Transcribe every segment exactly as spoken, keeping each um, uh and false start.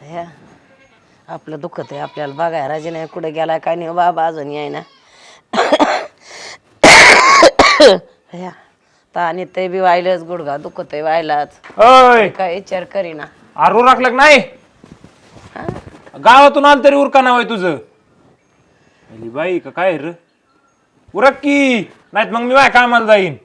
ह्या आपलं दुखत आहे आपल्याला बघाय राजे नाही कुठे गेलाय काय नाही बाबा अजून याय ना ह्या तानी ते बी व्हायलाच गुडघा दुखत आहे व्हायलाच अय काय विचार करीना आरू राखलं नाही गावातून आलं तरी उरका नाव आहे तुझं अली बाई का काय र उरक की नाहीत मग मी बाय कामाला जाईन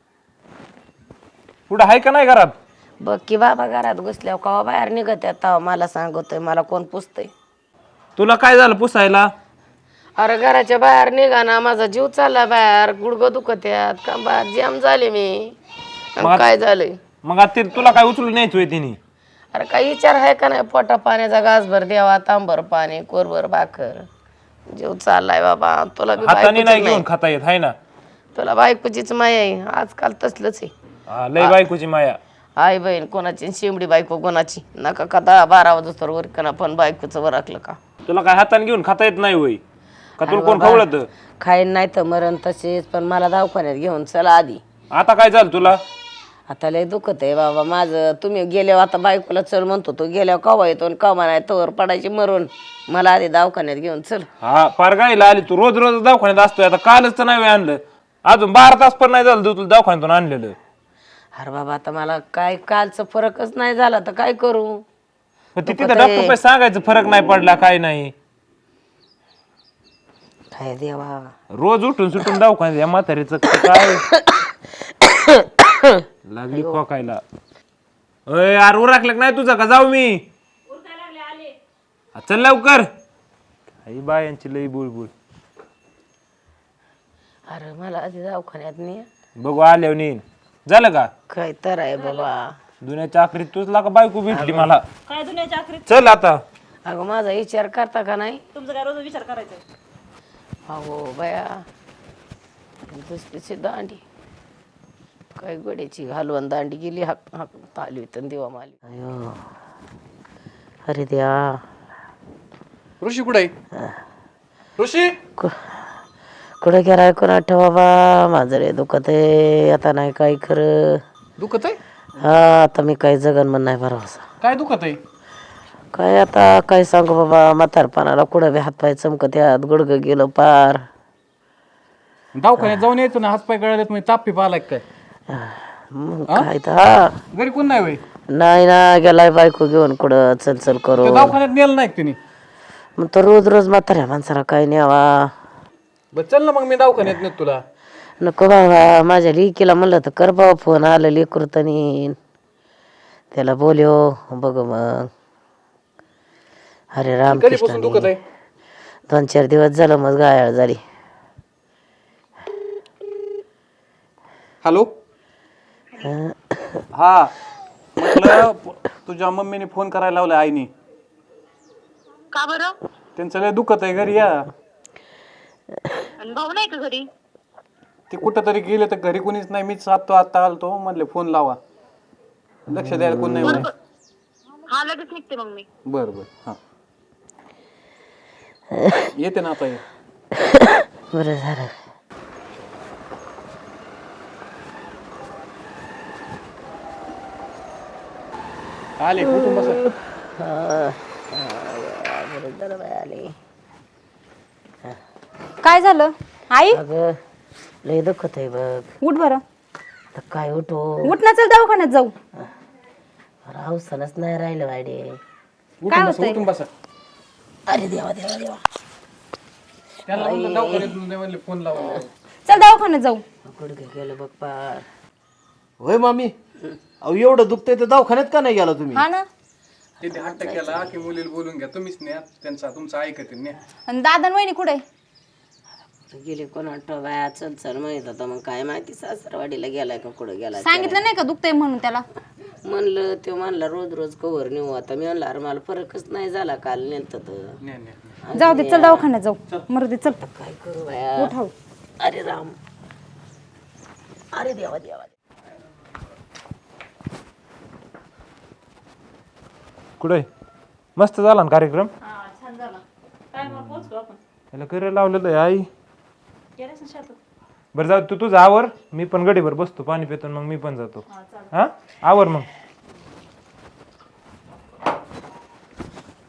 पुढं आहे का नाही घरात बघ की बाबा घरात घुसल्यावर कवा बाहेर निघत तेव्हा मला सांगतोय मला कोण पुसतय तुला काय झालं पुसायला अरे घराच्या बाहेर निघा ना माझा जीव चालला बाहेर गुडघं दुखत यात कंबार जाम झाले मी आणि काय झालंय मग आता ते तुला काय उचलून न्यायचं होय तिने अरे काही विचार आहे का नाही पोटा पाण्याचा घासभर द्यावा तांबर पाणी कोरभर भाकर जीव चाललाय बाबा तुला बी हाताने नाही बायकोचीच घेऊन नाही खाता येत आहे ना तुला बायकोचीच माया आहे आजकाल तसलंच आहे हा, लय बायकोची माया आई बहीण कोणाची शिमडी बायको कोणाची नका का दहा बारा वाजता वर कना पण बायकोचं वर राखलं का तुला काय हाताने घेऊन खाता येत नाही होय का तुला कोण खवळत खाईन नाही तर मरण तसेच पण मला दवाखान्यात घेऊन चला आधी आता काय झालं तुला आता लय दुखत आहे बाबा माझं तुम्ही गेल्यावर आता बायकोला चल म्हणतो तो गेल्यावर कवा येतो आणि कवा नाही तोवर पडायची मरून मला आधी दवाखान्यात घेऊन चल हा फार गायला आली तू रोज रोज दवाखान्यात असतोय आता कालच तर नाही आणलं अजून बारा तास पण नाही झालं तुला दवाखान्यातून आणलेलं अरे बाबा आता मला काय कालचं फरकच नाही झाला तर काय करू पण तिथे डॉक्टर पैसे सांगायचं फरक नाही पडला काय नाही काय देवा रोज उठून सुटून दवाखान्यात या म्हातारीचं काय लागली खोकायला अय यार उरकलं नाही तुझा का जाऊ मी चल लवकर आई बायांची लई बुळबुळ अरे मला आधी दवाखान्यात नाही बघू आल्यावर नेईन झालं का काय तर आहे बाबा दुनियाच्या आखरीत तुझला का बायको भेटली मला काय दुनियाच्या आखरीत चल आता अगं माझा विचार करता का नाही तुमचा काय रोज विचार करायचा अहो बया दुसरीची दांडी काय गोड्याची घालवून दांडी गेली हाक हाक ताली तर देवा माली अयो अरे द्या ऋषी कुठे आहे ऋषी कुठं गेलाय कोणा ठेवा बाबा माझं रे दुखत आहे आता नाही काय खरं दुखत आहे हा आता मी काही जगन म्हण नाही भरवसा काय दुखत आहे काय आता काय सांगू बाबा म्हातारपणाला कुठं बी हातपाय चमकत यात गुडघं गेलं पार दवाखान्यात जाऊन यायचं ना हातपाय गळालेत म्हणजे ताप पिप आलाय काय मग काय तर हा घरी कोण नाही वय नाही ना गेलाय बायको घेऊन कुठं चल चल करू दवाखान्यात नेलं नाही तिने मग तर रोज रोज म्हाताऱ्या माणसाला काय न्यावा बरं चल ना मग मी दवाखान्यात नेत तुला नको बाबा माझ्या लेकीला म्हणलं तर कर बाबा फोन आलं लेकरू तनी त्याला बोलयो बघ मग अरे कधीपासून दुखत रामकृष्ण आहे दोन चार दिवस झालं मग गायाळ झाली हॅलो हा म्हटलं तुझ्या मम्मीने फोन करायला लावलाय आईनी का बरं त्यांचं लय दुखत आहे घरी या आणि भाऊ नाही का घरी ते कुठं तरी गेले तर घरी कोणीच नाही मीच आत्तो आत्ता आलतो म्हणले फोन लावा लक्ष द्यायला कोण नाही म्हणे हा लगेच निघते मग मी बर बर हा येते ना आता ये बरं झालं आले कुठून बसा बरं झालं बाई आली काय झालं आई अगं लय दुखत आहे बघ उठ बरं तर काय उठो उठ ना चल दवाखान्यात जाऊ रावसनच नाही राहिलं वाडे उठून बसा उठून बसा अरे देवा देवा देवा त्याला म्हणलं दवाखान्यात नाही म्हणले फोन लावा चल दवाखान्यात जाऊ गुडघे गेलं बघ पार होय मामी अहो एवढं दुखतंय तर दवाखान्यात का नाही गेला तुम्ही हा ना तिथे हट्ट केला की मुलीला बोलून घ्या तुम्हीच न्या त्यांचा तुमचं ऐकते न्या आणि दादा आणि वहिनी कुठे गेले कोणा बाया चल चल माहित आता मग काय माहिती सासरवाडीला गेलाय का कुठं गेलाय सांगितलं नाही का दुखतंय म्हणून त्याला म्हणलं ते म्हणला रोज रोज कवर नेऊ आता मी म्हणलं अरे मला फरकच नाही झाला काल नेत न्या न्या जाऊ दे चल दवाखान्यात जाऊ मरू दे चल काय करू बाया उठाव अरे राम अरे देवा देवा कुठे मस्त झाला ना कार्यक्रम छान झाला काय मग पोहोचलो आपण त्याला करायला लावलेलं आहे आई गेलेस ना शेतात बरं जाऊ तू तुझं आवर मी पण गडीवर बसतो पाणी पितो मग मी पण जातो हा आवर मग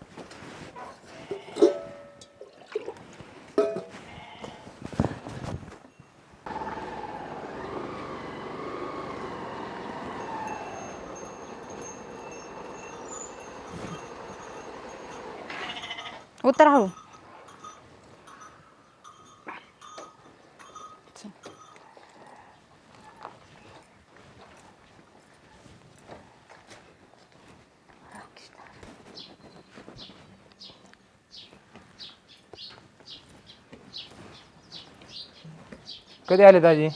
उतर हळू. कधी आले दाजी?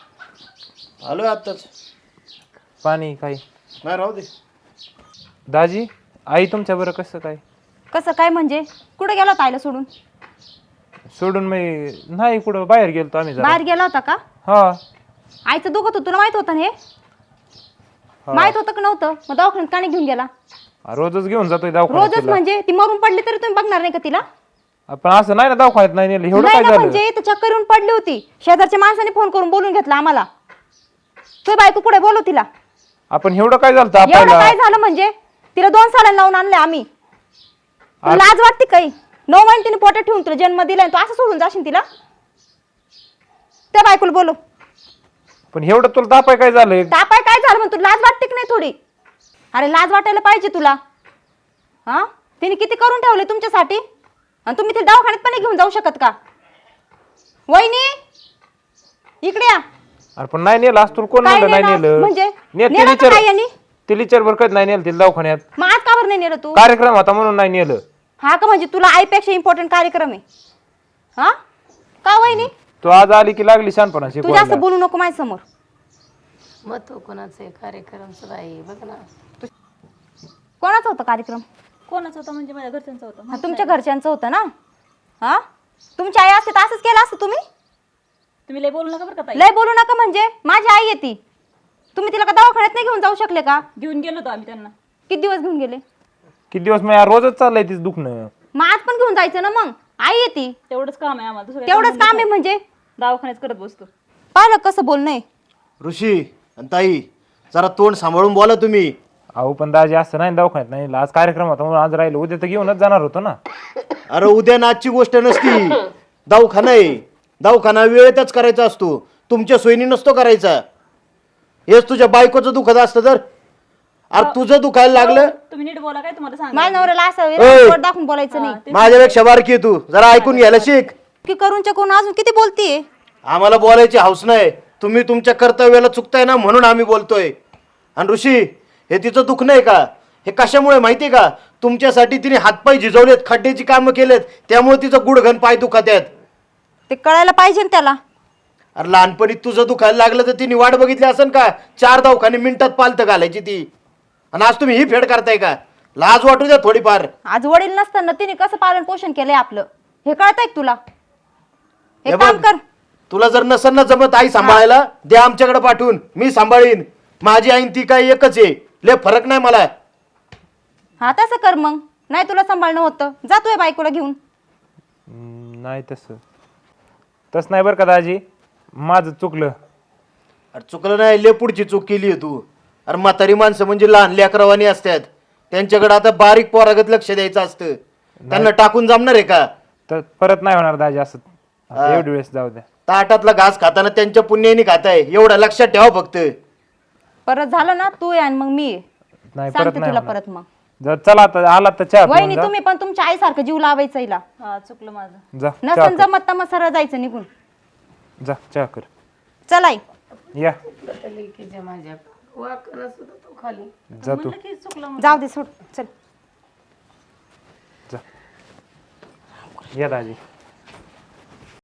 आलोय आत्ताच. पाणी काही? नाही राहू दे. दाजी आई तुमच्या बरं कसं काय? कसं काय म्हणजे? कुठे गेला होता आईला सोडून? सोडून मी नाही कुठं बाहेर गेलतो आम्ही जरा. बाहेर गेला होता का? हा आईचं दुखत होतं तुला माहित होतं ना हे? माहित होतं का नव्हतं? मग दवाखान्यात का नाही घेऊन गेला? रोजच घेऊन जातोय रोजच दवाखान्यात. म्हणजे ती मरून पडली तरी तुम्ही बघणार नाही का तिला? आपण असं नाही ना दवाखान्यात नाही नेलं एवढं नाही काय ना, झालं? म्हणजे इथं चक्कर येऊन पडली होती. शेजारच्या माणसाने फोन करून बोलून घेतला आम्हाला. तुझी बायको कुठे बोलव तिला. आपण एवढं काय झालं एवढं आपल्याला? काय झालं म्हणजे? तिला दोन साड्या लावून आणले आम्ही. तुला लाज वाटते काही? नऊ महिने तिने पोटात ठेवून तुला जन्म दिलाय, तू असं सोडून जाशील तिला? त्या बायकोला बोलव. पण एवढं तुला तापाय काय झालंय? तापाय काय झालं म्हणून तुला लाज वाटते की नाही थोडी? अरे लाज वाटायला पाहिजे तुला. हा तिने किती करून ठेवले तुमच्यासाठी, आणि तुम्ही तिला दवाखान्यात पण नाही घेऊन जाऊ शकत का? वहिनी इकडे या. अरे पण नाही नेलं असं तुला कोण काय म्हणलं नाही नेलं? नेलं? म्हणजे नेलं नेलं तिला तर काय यांनी? तिला विचार बरं कधी नाही नेलं तिला दवाखान्यात. मग आज का बरं नाही नेलं तू? कार्यक्रम होता म्हणून नाही नेलं. हा का, म्हणजे तुला आईपेक्षा इम्पॉर्टंट कार्यक्रम आहे? हा का वहिनी? तू आज आली की लागली शानपणा तू शिकवायला. जास्त बोलू नको माझ्या समोर. मग तो कोणाचं आहे कार्यक्रमचं बाई बघ ना. कोणाचा होता कार्यक्रम? कोणाचं होतं म्हणजे माझ्या घरच्यांचं होतं. हो, तुमच्या घरच्यांचं होतं ना? हा तुमची आई असते तर असंच केलं असतं तुम्ही? तुम्ही लय बोलू नका बरं का ताई. लय बोलू नका म्हणजे? माझी आई आहे ती. तुम्ही तिला का दवाखान्यात नाही घेऊन जाऊ शकले का? घेऊन गेलो होतो आम्ही त्यांना. किती दिवस घेऊन गेले? किती दिवस मी रोजच चाललंय तीच दुखणं. मग आज पण घेऊन जायचं ना. मग आई आहे ती. तेवढंच काम आहे आम्हाला, दुसरं काही तेवढंच काम आहे म्हणजे? दवाखान्यात करत बसतो. पाहिलं कसं बोलणं. ऋषी आणि ताई जरा तोंड सांभाळून बोला तुम्ही. अहो पण दाजी असं नाही दवाखान्यात नाही आज कार्यक्रम होता म्हणून आज राहिलो, उद्या तर घेऊनच जाणार होतो ना. अरे उद्या नाचची गोष्ट नसती. दवाखाना आहे. दवाखाना वेळेतच करायचा असतो, तुमच्या सोयीने नसतो करायचा. हेच तुझ्या बायकोचं दुखत असतं तर. अरे तुझं दुखायला लागलं. तुम्ही नीट बोला, काय तुम्हाला सांग. माझ्या नवऱ्याला असं ओय. वर दाखवून बोलायचं नाही. माझ्यापेक्षा बारकी आहे तू, जरा ऐकून घ्यायला शिक. की करून चकून अजून किती बोलतीये? आम्हाला बोलायची हौस नाही. तुम्ही तुमच्या कर्तव्याला चुकताय ना म्हणून आम्ही बोलतोय. आणि ऋषी हे तिचं दुःख नाही का? हे कशामुळे माहितीये का? तुमच्यासाठी तिने हातपाय झिजवलेत, खड्ड्याची कामं केलेत, त्यामुळे तिचं गुडघन पाय दुखत आहेत. ते कळायला पाहिजे ना त्याला. अरे लहानपणी तुझं दुखायला लागलं तर तिने वाट बघितली असेल का? चार दवाखाने मिनिटात पालत घालायची ती. आणि आज तुम्ही ही फेड करताय का? लाज वाटू द्या थोडीफार. आज वडील नसताना तिने कसं पालन पोषण केलंय आपलं हे कळतंय का तुला? हे हे काम बघ, कर. तुला जर नसेल ना जमत आई सांभाळायला, द्या आमच्याकडे पाठवून, मी सांभाळीन. माझी आई ती काय एकच आहे, लय फरक नाही मला. हा तसं कर मग. नाही तुला सांभाळणं होतं, जातोय बायकोला घेऊन. हम्म, नाही तसं तसं नाही बरं का दाजी, माझं चुकलं. अरे चुकलं नाही, लय पुढची चूक केली आहे तू. अरे म्हातारी माणसं म्हणजे लहान लेकरवानी असतात, त्यांच्याकडे आता बारीक पोरागत लक्ष द्यायचं असतं. त्यांना टाकून जमणार आहे का? तर परत नाही होणार दाजी असं. आता एवढी वेळेस जाऊ द्या. ताटातला घास खाताना त्यांच्या पुण्याने खाताय, एवढं लक्षात ठेवा फक्त. परत झालं ना तू ये आणि मग मी ये. नाही परत सांगते नाही तुला होणार. परत मग. जर चला आता आला तर चहा पिऊन वहिनी जा. तुम्ही पण तुमच्या आईसारखं जीव लावायचा हिला. हा चुकलं माझं. जा चहा नसन कर. जमत तर मग सरळ जायचं निघून. जा चहा कर. चला आई. या लेकीच्या माझ्या वाकणं सुद्धा तो खाली. जा तू की चुकलं. जाऊ दे सोड. चल जा. या दाजी.